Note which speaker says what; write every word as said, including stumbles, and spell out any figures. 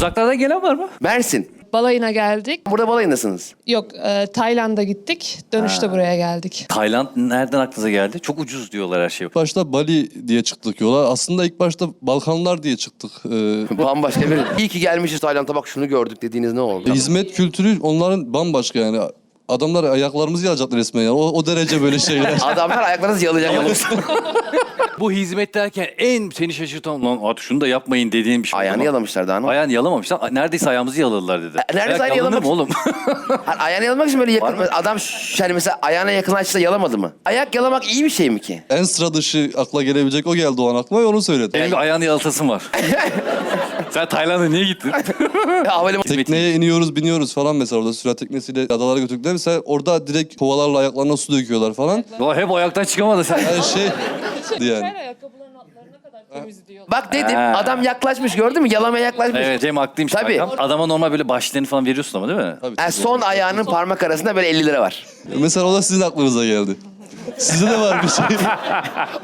Speaker 1: Uzaklardan gelen var mı?
Speaker 2: Mersin.
Speaker 3: Balayına geldik.
Speaker 2: Burada balayındasınız.
Speaker 3: Yok, e, Tayland'a gittik. Dönüşte buraya geldik.
Speaker 1: Tayland nereden aklınıza geldi? Çok ucuz diyorlar her şey.
Speaker 4: İlk başta Bali diye çıktık yola. Aslında ilk başta Balkanlar diye çıktık. Ee,
Speaker 2: Bambaşka bir... İyi ki gelmişiz Tayland'a, bak şunu gördük dediğiniz ne oldu?
Speaker 4: hizmet kültürü onların bambaşka yani. Adamlar ayaklarımızı yalacaktı resmen yani. O, o derece böyle şeyler.
Speaker 2: Adamlar ayaklarınızı yalayacak yalnız.
Speaker 1: Bu hizmet derken en seni şaşırtan lan at şunu da yapmayın dediğin bir şey.
Speaker 2: Ayağını
Speaker 1: Ama
Speaker 2: yalamışlar daha ne?
Speaker 1: Ayağını yalamamışlar. Neredeyse ayağımızı yaladılar dedi.
Speaker 2: E, neredeyse
Speaker 1: Ayak
Speaker 2: ayağını
Speaker 1: yalanır mı
Speaker 2: yalamak-
Speaker 1: oğlum?
Speaker 2: Ha, ayağını yalamak için böyle yakın... Adam ş- yani mesela ayağına yakınlaşsa yalamadı mı? Ayak yalamak iyi bir şey mi ki?
Speaker 4: En sıra dışı akla gelebilecek o geldi o an aklıma ve onu söyledi.
Speaker 1: Benim de ayağını yalatasın var. Sen Tayland'a niye gittin?
Speaker 2: Havalimanı...
Speaker 4: Tekneye iniyoruz, biniyoruz falan mesela orada sürat teknesiyle adalara götürdükler. Mesela orada direkt kovalarla ayaklarına su döküyorlar falan.
Speaker 1: Ulan hep ayaktan çıkamadı sen.
Speaker 4: Her şey yani.
Speaker 3: Ayakkabıların altlarına kadar temiz diyorlar.
Speaker 2: Bak dedim,
Speaker 1: Ha.
Speaker 2: adam yaklaşmış, gördün mü? Yalamaya yaklaşmış.
Speaker 1: Evet Cem haklıymış.
Speaker 2: Tabii.
Speaker 1: Hakan. Adama normal böyle başlarını falan veriyorsun ama değil mi?
Speaker 4: Tabii,
Speaker 2: Ha, son ayağının parmak arasında böyle elli lira var.
Speaker 4: Mesela o da sizin aklınıza geldi. Sizde de var bir şey.